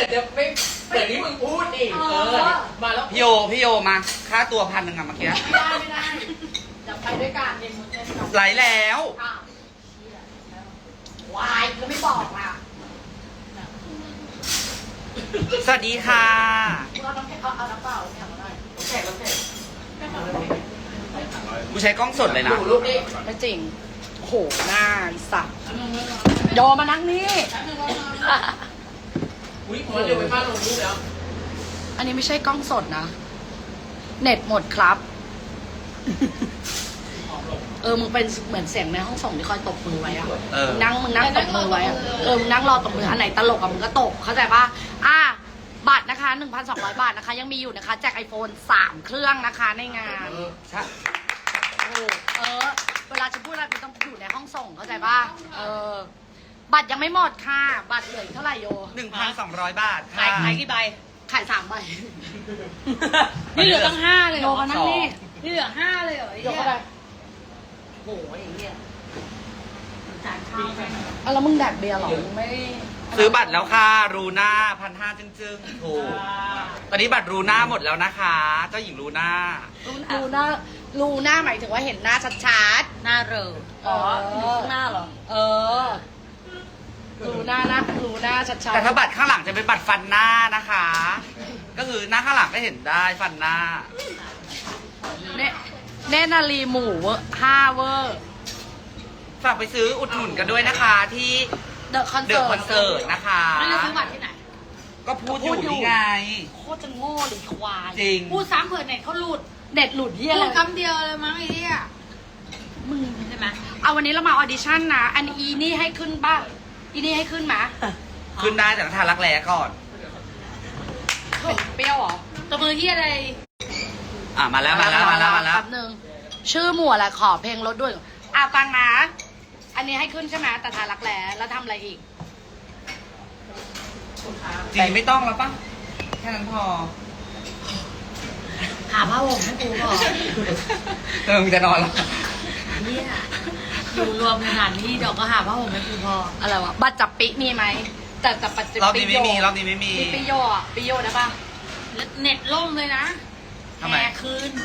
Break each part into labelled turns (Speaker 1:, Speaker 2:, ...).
Speaker 1: จะไม่เหมือนที่มึงพูดดิมาแล้ว
Speaker 2: พี่โยมาค่าตัว1,000อะเมื่อกี้
Speaker 3: ไม่ได้จะไปด้วยกันเย็นมุ้งเย็นกัน
Speaker 2: ไหลแล้ว
Speaker 3: วายก็ไม่บอกอ่ะ
Speaker 2: สวัสดีค่ะ
Speaker 3: เราต้องเอาน้ำเปล่าเนี่ยมาได้
Speaker 1: แขกแล้วแขก
Speaker 2: กูใช้กล้องสดเลยนะ
Speaker 1: ดูรูปนี้
Speaker 3: ไม่จริงโหหน้าอีสัตว์โยมานั่งนี่
Speaker 1: อุ้ยมันเร็วไปมากลงรูปแล้ว
Speaker 3: อันนี้ไม่ใช่กล้องสดนะ เน็ตหมดครับ มึงเป็นเหมือนเสียงในห้องส่งที่คอยตบมือไว้อะ
Speaker 2: เออ
Speaker 3: มึงนั่งตบมือไว้อะมึงนั่งรอตบมืออันไหนตลกอะมึงก็ตบเข้าใจปะบัตรนะคะ 1,200 บาทนะคะ ยังมีอยู่นะคะแจก iPhone 3 เครื่องนะคะในงาน
Speaker 2: ใช่
Speaker 3: เวลาจะพูดอะไรมันต้องอยู่ในห้องส่งเข้าใจปะบัตรยังไม่หมดค่ะ บัตรเหลืออีกเท่าไหร่โย
Speaker 2: 1,200 บาทค่ะ
Speaker 4: ขายกี่ใบ
Speaker 3: ขาย3 ใบ
Speaker 4: นี่เหลือตั้ง5เลยเห
Speaker 3: โย
Speaker 4: รอ
Speaker 3: มานั่งนี่
Speaker 4: นี่เหลือ5เลยเหรอไอ้
Speaker 3: โย
Speaker 4: เหี้ย
Speaker 3: เข้าไป
Speaker 4: โอ้ยไอ้เหี้ยจานข้าว
Speaker 3: แล้วมึงแดกเบียร์เหรอ มึงไม่
Speaker 2: ซื้อบัตรแล้วค่ะ รูน่า1,500จึ้งๆถูกตอนนี้บัตรรูน่าหมดแล้วนะคะ เจ้าหญิงรูน่า
Speaker 3: รูหน้าหมายถึงว่าเห็นหน้าชัด
Speaker 4: หน้าเรอ
Speaker 3: ๆ
Speaker 4: อ๋ออยู่ข้างหน้าเหรอ
Speaker 3: รูหน้าชัดๆ
Speaker 2: แต่ถ้าบัตรข้างหลังจะเป็นบัตรฟันหน้านะคะ ก็คือหน้าข้างหลังก็เห็นได้ฟันหน้า
Speaker 3: เนนาลีหมู5เวอร์
Speaker 2: ฝากไปซื้ออุดหนุนกันด้วยนะคะที่
Speaker 3: เดอะคอน
Speaker 2: เด
Speaker 3: เสิ
Speaker 2: อะ
Speaker 3: ร์ต
Speaker 2: คอนเสิร์ตนะคะ
Speaker 4: ไม่ได้ซื้อบัตรที่ไหน
Speaker 2: ก็พูดอยู่นี่ไง
Speaker 3: โคตรจะโง่หรือควาย
Speaker 2: จริง
Speaker 4: พูดซ้ำเผื่อเน็ตเขาหลุด
Speaker 3: เด็ดหลุดเยี่ย
Speaker 4: พู
Speaker 3: เล
Speaker 4: ด
Speaker 3: ย
Speaker 4: คำเดียวเลยมั้งไอ้เหี้ย
Speaker 3: มึง
Speaker 4: ใช่ไหม
Speaker 3: เอาวันนี้เรามาออดิชั่นนะ อันอีนี่ให้ขึ้นป่ะ อีนี่ให้ขึ้นไหม
Speaker 2: ขึ้นได้แต่ต้องทารักแร้ก่อน
Speaker 3: เปรี้ยวเหรอ
Speaker 4: ตัวมือเหี้ยอะไร
Speaker 2: มาแล้ว
Speaker 3: แป๊บนึงชื่อหมวดอะไรขอเพลงรถด้วยฟังนะ อันนี้ให้ขึ้นใช่ไหมแต่ทารักแร้แล้วทำอะไรอีก
Speaker 2: จริงไม่ต้องแล้วปะแค่นั้นพอ
Speaker 4: หาผ้าห่มให้กูก่อน
Speaker 2: มึงจะนอนแล้ว
Speaker 4: เนี่ยอยู่รวมขนาดนี้เดี๋ยวก็หาผ้าห่มให้กูพอ
Speaker 3: อะไรวะ บัตรจับปิมีไหมแต่จับปัจจุ
Speaker 2: รอบนี้ไม่มีรอบนี้ไม่มี
Speaker 3: มีปิโยอ่ะปิโยได้ป่ะ
Speaker 4: แล้วเน็ตล่มเลยนะ
Speaker 2: ทำไม
Speaker 4: แอร์คืน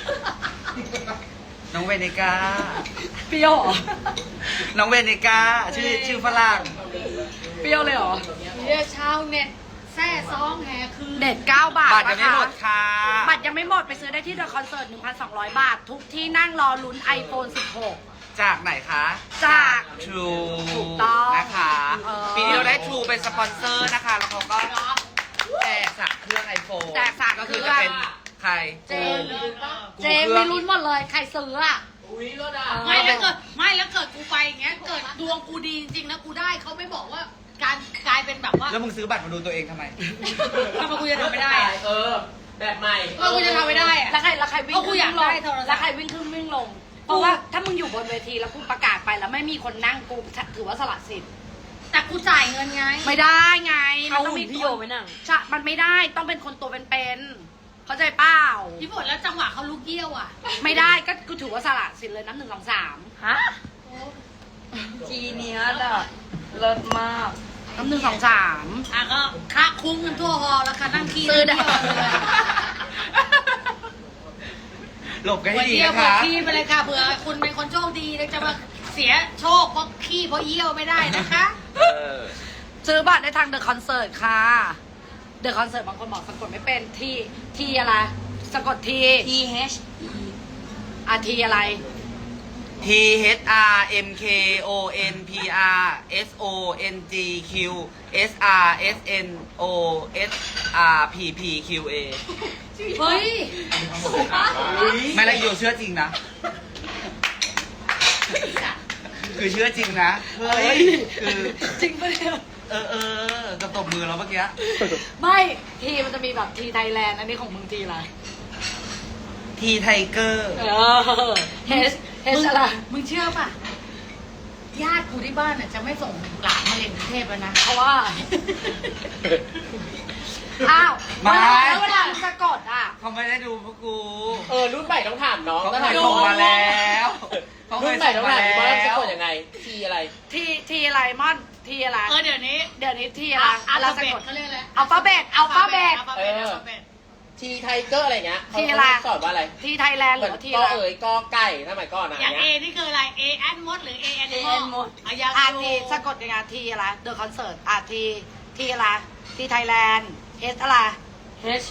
Speaker 2: น้องเวเนกา
Speaker 3: ปิโยเหรอ
Speaker 2: น้องเวเนกาชื่อฝรั่ง
Speaker 3: เปรี้ยวเลยเหรอ
Speaker 4: เรียกชาวเน็ตแซ่ซองแห่คืน
Speaker 3: เด็ด9 บาท
Speaker 2: บัตรยังไม่หมดค่ะ
Speaker 3: บัตรยังไม่หมดไปซื้อได้ที่เดอะคอนเสิร์ต 1,200 บาท ทุกที่นั่งรอลุ้น iPhone 16
Speaker 2: จากไหนคะ
Speaker 3: จาก
Speaker 2: True
Speaker 3: ถูกต้อง
Speaker 2: นะคะ ปีนี้เราได้ True เป็นสปอนเซอร์นะคะ แล้วเขาก็แจก3 เครื่อง iPhone
Speaker 3: แจก3
Speaker 2: ก็คือจะเป็นใคร
Speaker 3: เจน
Speaker 2: กู
Speaker 3: เจนไม่ลุ้นหมดเลย ใครซื้ออ่ะ
Speaker 1: อุ้ยรถอ่ะ
Speaker 4: ไม่แล้วเกิดกูไปอย่างเงี้ย เกิดดวงกูดีจริงๆนะกูได้เขาไม่บอกว่าการกลายเป็นแบบว่า
Speaker 2: แล้วมึงซื้อบัตรมาดูตัวเองทำไม
Speaker 4: ทำไมกูจะทำไม่ได้อะ
Speaker 1: แบบใหม่
Speaker 4: กูจะทำไม่ได้อะ
Speaker 3: แล้วใครวิ่ง
Speaker 4: เพราะกู
Speaker 3: ขึ้น
Speaker 4: อยาก
Speaker 3: วิ่งล
Speaker 4: ได้
Speaker 3: ง
Speaker 4: โทรศัพท์
Speaker 3: แล้วใครวิ่งขึ้นวิ่งลง เพราะว่าถ้ามึงอยู่บนเวทีแล้วกูประกาศไปแล้วไม่มีคนนั่งกูถือว่าสละสิทธิ์
Speaker 4: แต่กูจ่ายเงินไง
Speaker 3: ไม่ได้ไง
Speaker 4: เอา
Speaker 3: ต้องมี
Speaker 4: พี่โยไปนั่ง
Speaker 3: ใช่มันไม่ได้ต้องเป็นคนตัวเป็นๆเข้าใจเปล่า
Speaker 4: พี่ฝนแล้วจังหวะเขาลุกเยี่ยวอ่ะ
Speaker 3: ไม่ได้ก็กูถือว่าสละสิทธิ์เลยน้ำ1 2 3
Speaker 4: ฮะ
Speaker 3: จีเนียสอะเลิศมากน้ำ1 2 3
Speaker 4: อ่ะก็คะคุ้มกันทั่วฮอแล้วค่ะนั่งขี้
Speaker 3: ซื้อได้
Speaker 4: เยี่ยวเลย
Speaker 2: หลบกัน
Speaker 4: หั
Speaker 2: ให้
Speaker 4: ว
Speaker 2: ดี
Speaker 4: เยี่ยว
Speaker 2: นะ
Speaker 4: หัว
Speaker 2: คะ
Speaker 4: ขี้ไปเลยค่ะเผื่อคุณเป็นคนโชคดีแล้วจะมาเสียโชคเพราะขี้เพราะเยี่ยวไม่ได้นะคะ
Speaker 3: ซื้อบัตรได้ทางเดอะคอนเสิร์ตค่ะเดอะคอนเสิร์ตบางคนบอกสะกดไม่เป็นทีอะไรสะกดที
Speaker 4: T H
Speaker 3: ทีอะไร
Speaker 2: T H R M K O N P R S O N G Q S R S N O S R P P Q A
Speaker 4: เฮ้ย
Speaker 2: ไม่ละอยู่เชื่อจริงนะ คือเชื่อจริงนะ เฮ้ย คือ
Speaker 3: จริงปะเนี่ย
Speaker 2: จะตบมือแล้วเมื่อกี้
Speaker 3: ไม่ทีมันจะมีแบบทีไทยแลนด์อันนี้ของมึงทีอะไร
Speaker 2: ทีไทเกอร์
Speaker 3: เฮสอะไร
Speaker 4: มึงเชื่อป่ะ ญาติกูที่บ้านน่ะจะไม่ส่งหลานมาเรียนกรุงเทพแล้วนะ
Speaker 3: เพราะว่า อ้าว
Speaker 2: ไม่
Speaker 3: แล้วเวลามึงสะกดอ่ะ
Speaker 2: เขาไม่ได้ดูพวกกู
Speaker 1: รุ่นใหม่ต้องถามน้อง
Speaker 2: เขา
Speaker 1: ต้อง
Speaker 2: ถ่า
Speaker 1: ถาย ม
Speaker 2: ส่งมาแล้ว
Speaker 3: แ
Speaker 2: เขาเค
Speaker 1: รุ่
Speaker 2: ย
Speaker 1: นใหม่
Speaker 2: ส่
Speaker 1: ต้อง ง
Speaker 2: มา
Speaker 1: ไหน
Speaker 2: แล้ว
Speaker 1: ว่าสะกดยังไงทีอะไร
Speaker 3: ทีอะไรม่อนทีอะไร
Speaker 4: เดี๋ยวนี้
Speaker 3: เดี๋ยวนี้ทีอะไร
Speaker 4: อัล
Speaker 3: เรา
Speaker 4: ฟา
Speaker 3: สะ
Speaker 4: เบ
Speaker 3: ก
Speaker 4: ต
Speaker 3: ด
Speaker 4: เขาเรียกอะไร
Speaker 3: อัลฟาเบตอัลฟาเบต
Speaker 4: อัลฟาเบตอัลฟาเบต
Speaker 1: ทีไทเกอร์อะไรเงี้ย
Speaker 3: ทีอะไร
Speaker 1: เขาสอนว่าอะไร
Speaker 3: ทีไทยแลนด์ห
Speaker 1: เหมื
Speaker 3: รือ อน ว่าที
Speaker 1: ก
Speaker 3: อะไร
Speaker 1: เอ๋ยกอไก่สมัยก่อนอะ
Speaker 4: อย่าง
Speaker 1: เงี้
Speaker 4: A
Speaker 1: ย
Speaker 4: นี่คืออะไร A แอนมดหรือ A แอนมดอายัง
Speaker 3: ทีสะกดยังไงทีอะไรเดอะคอนเสิร์ตทีอะไรทีไทยแลนด์เอสอะไร H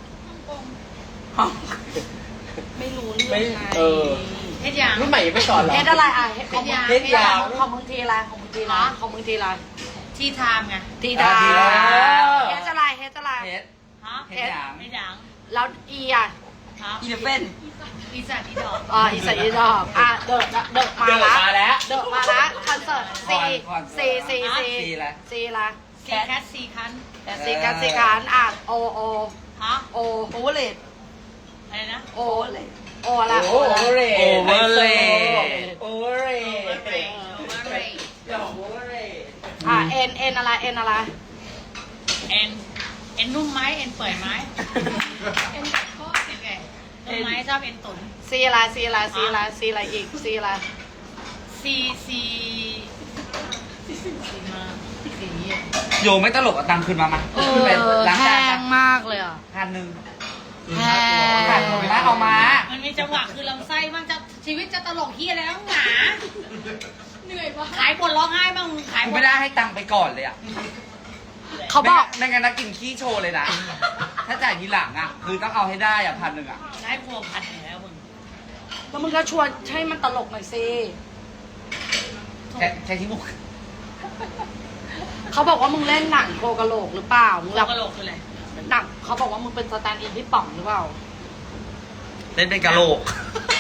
Speaker 3: ไม่รู้เรื่องไง
Speaker 4: เฮ็ดยัง
Speaker 1: รุ่นใหม่ยังไม่สอนเหรอ
Speaker 3: เอสอะไรของมึง
Speaker 1: เฮ็ดยาว
Speaker 3: ของมึงทีอะไรของมึงทีอะไรของมึงทีอะไร
Speaker 4: ทีไทม์ไง
Speaker 3: ทีดา
Speaker 2: ทีดา
Speaker 3: เอสอะไรเอสอะไร
Speaker 2: เฮ็ด
Speaker 4: ฮะ
Speaker 2: เฮ็ดหยัง
Speaker 4: เฮ็ดยัง
Speaker 3: แล้วอีอ่ะ
Speaker 4: ฮะ
Speaker 2: อีเลฟเฟน
Speaker 4: อีสัตว์อีดอก
Speaker 3: อีสานอีดอกเดอะมา
Speaker 1: เดิน
Speaker 3: ละ
Speaker 1: มาแล้ว
Speaker 3: เดอะมาละคอนเสิร์ตซี
Speaker 2: ซีละ
Speaker 3: ซีละ
Speaker 4: ซีแคทซีคัน
Speaker 3: ซีกันโอ
Speaker 4: ฮะ
Speaker 3: โอเวอร์เลด
Speaker 4: อะไรนะ
Speaker 3: โออะไร
Speaker 1: โอ้โหเร
Speaker 2: โอเวอร์เล
Speaker 1: โอเวอร์เร
Speaker 4: โอเวอร์เรย์โอเวอร์เรย์
Speaker 1: โอเวอร์เร
Speaker 3: เอ็นอะไร
Speaker 4: เอ็นนุ่มไหมเอ็นเปื่อยไหมเอ็นกัดข้อเอ็นไงนุ่มไหมชอบเอ็นตุ๋น
Speaker 3: ซีอะไรอีกซีอะไร
Speaker 4: ซีมาซีเยี่ย
Speaker 2: โยไม่ตลกเอาตังค์คืนมามาขึ้นไปล้าง
Speaker 3: แพ
Speaker 2: จาน
Speaker 3: งมากเลยอ่ะ
Speaker 2: 1,000
Speaker 3: แพ
Speaker 2: ขาด
Speaker 3: ง
Speaker 2: ทุนมาเอามา
Speaker 4: มันมีจังหวะคือลำไส้บ้างจะชีวิตจะตลกเฮียอะไรต้องหนาเหนื่อยปะขายบนร้องไห้บ้างขาย
Speaker 2: กู
Speaker 4: บ
Speaker 2: ไม่
Speaker 4: น
Speaker 2: ได้ให้ตังค์ไปก่อนเลยอ่ะ
Speaker 3: เขาบอก
Speaker 2: ไม่งั้นนะกินขี้โชว์เลยนะ ถ้าจ่ายทีหลังอ่ะ คือต้องเอาให้ได้อ่ะ1,000อ่ะ
Speaker 4: ได้พวงพันอยู่แล้วมึง
Speaker 3: แล้วมึงก็ชวนให้มันตลกหน่อยสิ
Speaker 2: ใช้ที่มุก
Speaker 3: เขาบอกว่ามึงเล่นหนังโคกะโหลกหรือเปล่ามึง
Speaker 4: เรากระโหลกคืออะไร
Speaker 3: หนังเขาบอกว่ามึงเป็นสแตนด์อินที่ป่องหรือเปล่า
Speaker 2: เล่นเป็นกะโหลก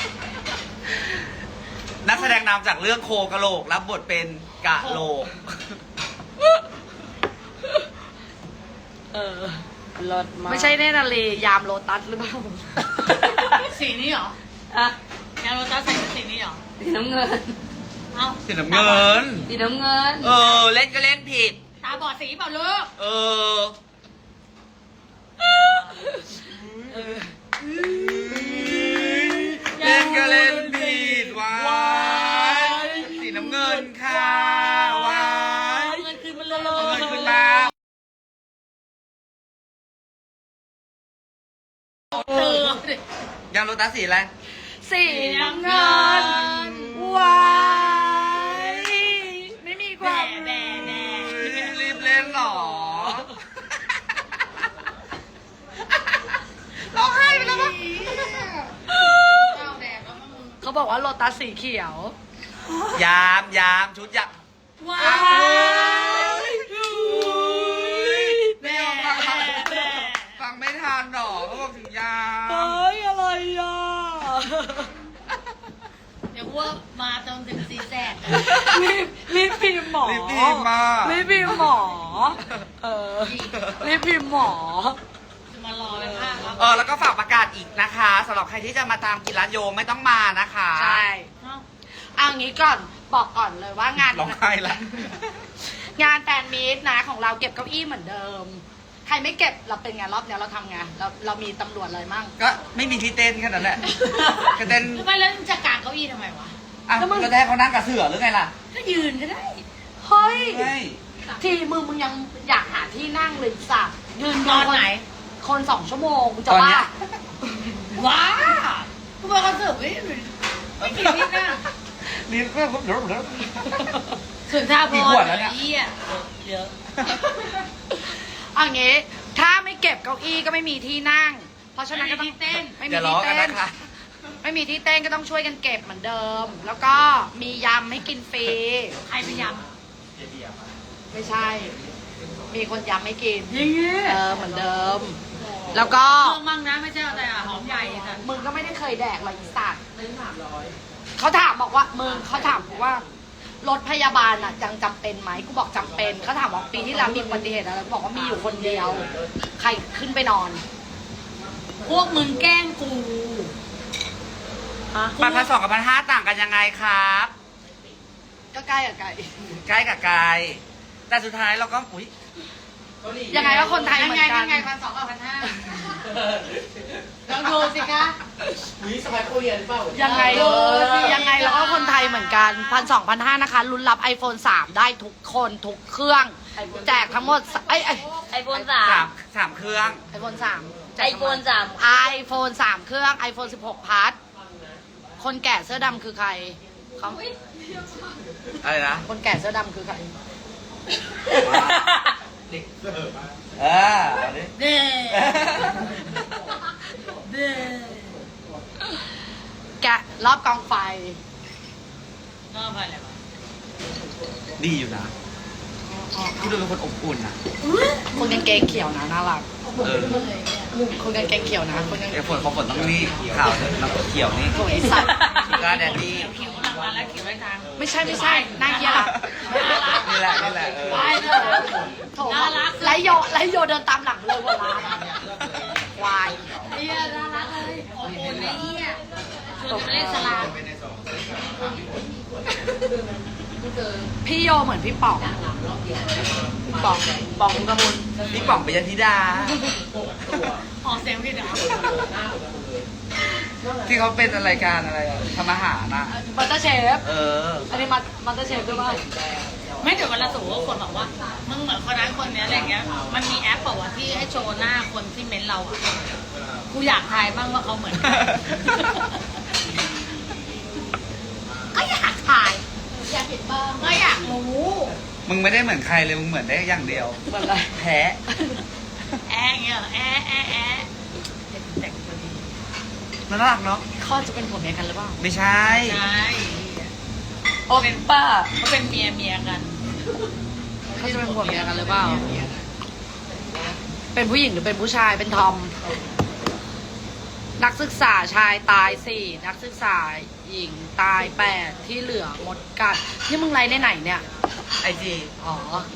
Speaker 2: นักแสดงนำจากเรื่องโคกะโหลก รับบทเป็นกะโหลก
Speaker 3: รถมาไม่ใช่เนนาลียามโลตัสหรือเปล่า
Speaker 4: สีนี้เหรอ
Speaker 3: อะ
Speaker 4: ยางโรตัสใส่สีนี้เหรอ
Speaker 3: สีน้ำเงิน
Speaker 4: เอ้า
Speaker 2: สีน้ำเงิน
Speaker 3: สีน้ำเงิน
Speaker 2: เล่นก็เล่นผิด
Speaker 4: ตาบอดสีเปล่าลูก
Speaker 2: เล่นก็เล่นผิดว้ายสีน้ำเงินค่ะว้าย
Speaker 4: เงินคืนมันเลย
Speaker 2: เอาเงินคืนมา
Speaker 4: เตือน
Speaker 2: ยางโรตัสสีอะไร
Speaker 3: สีน้ำเงินว้ายไม่มีความ
Speaker 4: แน่แน่
Speaker 2: รีบเล่นหรอร้องไห้ไปแล้วมั้ง
Speaker 4: ข้าวแดงแล้วมึง
Speaker 3: เขาบอกว่าโลตัสสีเขียว
Speaker 2: ยามชุดยาม
Speaker 4: ว้า
Speaker 2: ไม่
Speaker 4: แม่
Speaker 2: ยอมฟัง
Speaker 4: แม่
Speaker 2: ฟังไม่ทันหรอเขาบอกถึงยาม
Speaker 3: อะไรอ่ะ
Speaker 4: เดี๋ยวว่ามาจนถึงซีแซด
Speaker 3: รีบพิมพ์หมอ
Speaker 2: รีบพิมพ์มา
Speaker 3: รีบพิมพ์หมอ รีบพิมพ์หมอ
Speaker 4: จะมารอเลยค่ะครับ
Speaker 2: แล้วก็ฝากประกาศอีกนะคะสำหรับใครที่จะมาตามกินร้านโยมไม่ต้องมานะคะ
Speaker 3: ใช่
Speaker 4: เอ้า
Speaker 3: เอางี้ก่อนบอกก่อนเลยว่างาน
Speaker 2: ร้องไห้ละ
Speaker 3: งานแฟนมีตนะของเราเก็บเก้าอี้เหมือนเดิม ใครไม่เก็บเราเป็นไงรอบเนี้ยเราทำไงเรามีตำรวจอะไรมั่ง
Speaker 2: ก็ไม่มีที่เต้นแค่นั้นแหละก็เต้น
Speaker 4: ทำไมแล้วจะกางเก้าอี้ทำไมวะ
Speaker 2: อ่ะก็ได้เขานั่งกับเสือหรือไงล่ะ
Speaker 4: ก็ยืนก็ได้
Speaker 3: เฮ้ย
Speaker 2: ไม่
Speaker 3: ทีมึงยังอยากหาที่นั่งเลยสัตว์ยืน
Speaker 4: ตอนไหน
Speaker 3: คน2 ชั่วโมงมึงจะ
Speaker 2: ตอน
Speaker 3: ว่า
Speaker 2: เนี้ย
Speaker 4: ว้ากูไปคอนเสิร์ตไม่กี่นิดนะ
Speaker 2: นี่ก็เดี๋ยว
Speaker 4: สุนทรภ
Speaker 2: กี่
Speaker 4: ร
Speaker 2: ขวดแล้วเนี่ย
Speaker 4: เหี้ยเยอะ
Speaker 3: เอางี้ถ้าไม่เก็บเก้าอี้ก็ไม่มีที่นั่ง เพราะฉะนั้นก็ต้อง
Speaker 4: เต้น
Speaker 3: ไม่มี
Speaker 2: อย่าล้อ
Speaker 3: ที่
Speaker 2: กัน
Speaker 3: เต้น
Speaker 2: นะคะ
Speaker 3: ไม่มีที่เต้นก็ต้องช่วยกันเก็บเหมือนเดิม แล้วก็มียำให้กินฟรี
Speaker 4: ใครพยายาม
Speaker 3: ไม่ใช่ มีคนยำให้กิน
Speaker 4: อย่างเงี้ย
Speaker 3: เหมือนเดิม แล้วก็
Speaker 4: เครื่องมั่งนะไม่ใช่เอาแต่หอมใหญ่ค่ะ
Speaker 3: มึงก็ไม่ได้เคยแดกหรอกอีสัตว์เขาถามบอกว่ามึงเขาถามว่ารถพยาบาลอ่ะยังจำเป็นไหมกูบอกจำเป็นเขาถามว่าปีที่แล้วมีอุบัติเหตุอะไรกูบอกว่ามีอยู่คนเดียว ใครขึ้นไปนอน
Speaker 4: พวกมึงแกล้งกู
Speaker 2: 1,200กับ1,500ต่างกันยังไงครับ
Speaker 3: ก็ใกล้กับไก่
Speaker 2: ใกล้กับไกลแต่สุดท้ายเราก็อุ๊ย
Speaker 3: ยังไงก็คนไทยเหมือนกัน
Speaker 4: ยังไง1,200 กับ 1,500ลองดูสิคะ
Speaker 1: วิสมัยโคเรียนหรือเปล่า
Speaker 3: ยังไง
Speaker 4: เออ
Speaker 3: ยังไงเราก็คนไทยเหมือนกัน1,200 1,500นะคะลุ้นรับ iPhone 3 ได้ทุกคนทุกเครื่อง แจกทั้งหมด
Speaker 5: ไอโฟน
Speaker 2: สามเครื่อง
Speaker 3: iPhone 3
Speaker 5: ไอโฟน
Speaker 3: iPhone 3 เครื่อง iPhone 16 พัทคนแก่เสื้อดำคือใครเขา
Speaker 2: อะไรนะ
Speaker 3: คนแก่เสื้อดำคือใคร
Speaker 1: เด็กเสิร์ฟอะ
Speaker 2: เอาดิ
Speaker 4: เด้เด้
Speaker 3: แกะรอบกองไฟ
Speaker 4: ก็ไปอะไรวะ
Speaker 2: ดีอยู่นะกูดูเป็นคนอบอุ่นนะ
Speaker 3: คนกางเกงเขียวนะน่ารัก คนกางเกงเขียวนะคนกางเก
Speaker 2: ไอ้
Speaker 3: ง
Speaker 2: ฝนเขาฝนต้องนี่ขาวน้ำเขียวนี่
Speaker 3: โถไอ้สัตว์
Speaker 2: กาแดดดี้
Speaker 4: เขียวกำลังมาแล้วเขียวไว้ทาง
Speaker 3: ไม่ใช่หน้าเกียร์ละ
Speaker 2: นี่แหละเออ
Speaker 4: ไปเถอะ
Speaker 3: โถ
Speaker 4: น่ารัก
Speaker 3: ไลโยเดินตามหลังเลยเวลาควาย
Speaker 4: เฮียน่ารักเลยอบอุ่นไอ้เฮียชวนไปเล่นสลาม
Speaker 3: พี่โยเหมือนพี่ป๋องป๋องกระมุน
Speaker 2: พี่ป๋องปิยธิดา
Speaker 4: ออกเสียงผิดเหรอ
Speaker 2: ที่เขาเป็นรายการอะไรอะทำอาหารนะ
Speaker 3: บัตเตอร์เชฟ
Speaker 2: เออ
Speaker 3: อันนี้บัตเตอร์เชฟด้วยป่ะ
Speaker 4: ไม่เดี๋ยวเวลาสูงคนบอกว่ามึงเหมือนคนนั้นคนนี้อะไรเงี้ยมันมีแอปบอกว่าที่ให้โชว์หน้าคนที่เม้นเราอ่ะกูอยากทายบ้างว่าเขาเหมือนใครก็อยากถ่ายอยากเห็นบ้างก็อยากรู้
Speaker 2: มึงไม่ได้เหมือนใครเลย มึงเหมือนได้อย่างเดียว
Speaker 3: เหมือนอะไร
Speaker 2: แพ้
Speaker 4: แอะเงี้ยเหรอแอะแต่งตัวดี
Speaker 2: น่ารักเนาะ
Speaker 3: เขาจะเป็นผัวเมียกันหรือเปล่า
Speaker 2: ไม่ใช่
Speaker 4: ใช่
Speaker 3: โอ้ป้า
Speaker 4: เขาเป็นเมียกัน
Speaker 3: เขาจะเป็นผัวเมียกันหรือเปล่า เป็นผู้หญิงหรือเป็นผู้ชายเป็นทอม นักศึกษาชายตาย 4 นักศึกษาหญิงตาย 8 ที่เหลือมดกัดนี่มึงไรในไหนเนี่ย
Speaker 2: ไอจี
Speaker 3: อ๋อ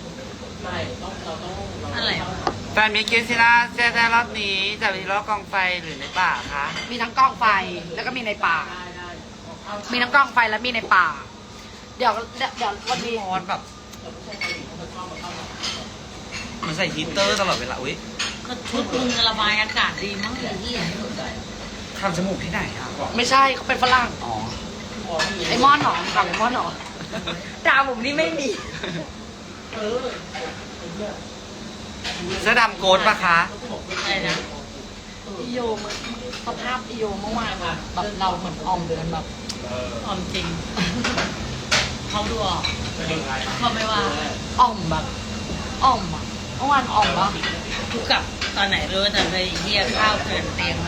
Speaker 4: อะไรวะ
Speaker 2: แฟนมิกเกซิล่าแจ้รอบนี้จะไปรอบกองไฟหรือในป่าคะ
Speaker 3: มีทั้งกล้องไฟแล้วก็มีในป่า มีทั้งกล้องไฟและมีในป่า เดี๋ยววันนี้
Speaker 2: ร้อนแบบเหมันใส่ฮีตเตอร์ตลอดเวลา อุ้ย
Speaker 4: ก็ชุดมึงระบายอากาศดีมั้งไอ้เหี้ย
Speaker 2: ทำจมูกที่ไหนอ่ะ
Speaker 3: ไม่ใช่เขาเป็นฝรั่ง
Speaker 2: อ๋อ
Speaker 3: ไอ้มอนหนอถามไอ้มอนหนอ
Speaker 5: ตาผมนี่ไม่มี
Speaker 2: เสื้อดำโกดปะคะ
Speaker 4: อะไรนะ
Speaker 3: อีโยมันสภาพอีโยเมื่อวานอะแบบเราเหมือนออมกันแบบ
Speaker 4: ออมจริงเขาดูออกเขาไม่ว่า
Speaker 3: อ่อมแบบอ่อมอะเมื่อวานอ่อมปะ
Speaker 4: กูกลับตอนไหนรู้แต่ไปเหี้ยข้าวเกินเตียงอะ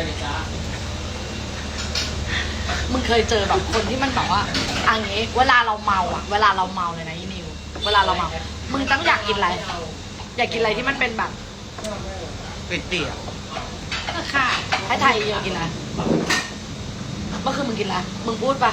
Speaker 3: มึงเคยเจอแบบคนที่มันแบบว่าอันนี้เวลาเราเมาอะเวลาเราเมาเลยนะอีนิว เวลาเราเมา มึงต้องอยากกินอะไร อยากกินอะไรที่มันเป็นแบบ
Speaker 2: เปียก
Speaker 4: ก็ค่ะ
Speaker 3: ให้ไทยเยอะกินอะไรเมื่อคืนมึงกินอะไร มึงพูดปะ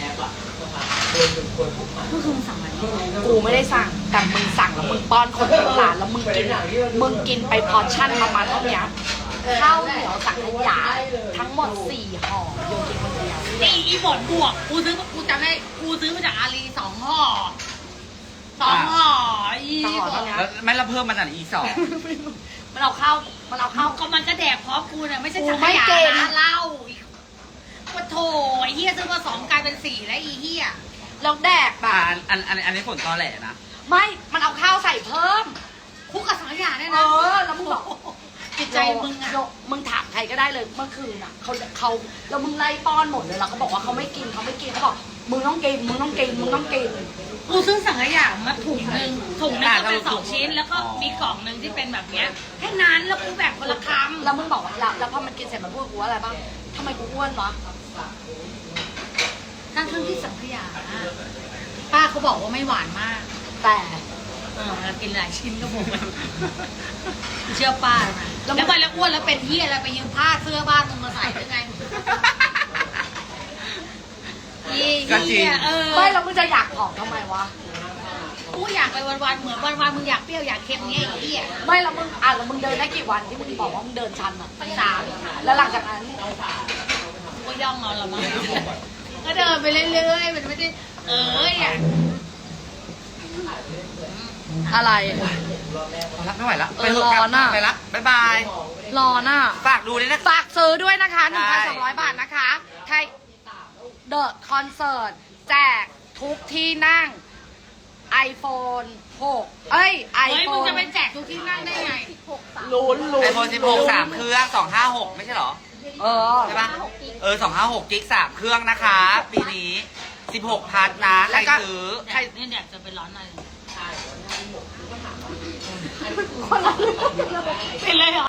Speaker 4: เมื่อคืนมึงสั่งอะไรวะ
Speaker 3: กูไม่ได้สั่งแต่มึงสั่งแล้วมึงป้อนคนทั้งร้านแล้วมึงกินไปพอร์ชั่นประมาณเท่านี้ข้าวเหนียวสังขยาทั้งหมด4 ห่อโยกินคนเดียว
Speaker 4: นี่อีบดบวกกูจำได้กูซื้อมาจากอาลี2 ห่อ2 ห่ออีบด
Speaker 2: ๆแล้วไม่ละเพิ่มมันอ่ะอีก 2
Speaker 3: มันเอาข้าว
Speaker 4: ก็มันก็แดกพร้อมกูเนี่ยไม่ใช่
Speaker 3: กู
Speaker 4: สังข
Speaker 3: ไม่
Speaker 4: ยา
Speaker 3: เก่ง
Speaker 4: นะเหล้าว่าโถไอ้เหี้ยซื้อมา2กลายเป็น4แล้วอีเหี้ย
Speaker 3: แล้วแดกแบ
Speaker 2: อ่า
Speaker 3: บ
Speaker 2: อันนี้ฝนตอแหลนะ
Speaker 3: ไม่ มันเอาข้าวใส่เพิ่ม
Speaker 4: คุกกับสังขยาเนี่ย
Speaker 3: เอ
Speaker 4: นะ
Speaker 3: อ แล้วมึงบอก
Speaker 4: จิตใจมึงอะ
Speaker 3: โยมึงถามใครก็ได้เลยเมื่อคืนอ่ะเขาแล้วมึงไล่ป้อนหมดเลยแล้วเขาบอกว่าเขาไม่กินเขาบอกมึงต้องกิน
Speaker 4: กูซื้อสังขยามาถุงหนึ่งก็เป็น2 ชิ้น แล้วก็มีกล่องหนึ่งที่เป็นแบบเนี้ยแค่นั้นแล้วกูแบ่งคนละคำ
Speaker 3: แล้วมึงบอกว่าแล้วพอมันกินเสร็จมันพูดกูว่าอะไรบ้างทำไมกูอ้วนวะ
Speaker 4: ทั้งที่สังขยาป้าเขาบอกว่าไม่หวานมาก
Speaker 3: แต่
Speaker 4: เรากินหลายชิ้นก็บอกเชื่อป้าไหมแล้วไปแล้วอ้วนแล้วเป็นเหี้ยอะไรไปยืมผ้าเสื้อบ้านมึงมาใส่ได้ไงยี่เหี้ย
Speaker 3: ไม่แล้วมึงจะอยากผอมทำไมวะ
Speaker 4: กูอยากไปวันๆเหมือนวันๆมึงอยากเปรี้ยวอยากเค็มเงี้ยไอ้เหี้ย
Speaker 3: ไม่แล้วมึงเดินได้กี่วันที่มึงบอกว่ามึงเดินชันอ่ะ
Speaker 4: 3
Speaker 3: แล้วหลังจากนั้น
Speaker 4: กูก็ย่องเอาละมั้งก็เดินไปเรื่อยๆมันไม่ได้อ่ะ
Speaker 3: อะไร
Speaker 2: พอละไม่ไหวละ
Speaker 3: เออ
Speaker 2: ไปเถอะกลับ
Speaker 3: ร้อนอะ
Speaker 2: ไปละบ๊ายบาย
Speaker 3: รอน่ะ
Speaker 2: ฝากดูด้วยนะ
Speaker 3: ฝากซื้อด้วยนะคะ
Speaker 2: ใช่
Speaker 3: 1,200 บาทนะคะไทยเดอะคอนเสิร์ตแจกทุกที่นั่ง iPhone 6 เอ้ย
Speaker 4: เฮ้ยมึง
Speaker 3: iPhone
Speaker 4: จะไปแจกทุกที่นั่งได้ไง
Speaker 1: ลุ้น
Speaker 2: ไอโฟน16 3 เครื่อง 256 ไม่ใช่เหรอ
Speaker 3: เออ
Speaker 2: ใช่ปะ256กิก3 เครื่องนะคะ ปีนี้ 16 พัทนะ ใค
Speaker 3: แล้
Speaker 2: ร
Speaker 3: วก็
Speaker 2: ซื้อ
Speaker 4: แดดนี่แดดจะไปร้อนหน่อยเป็นเลยเหรอ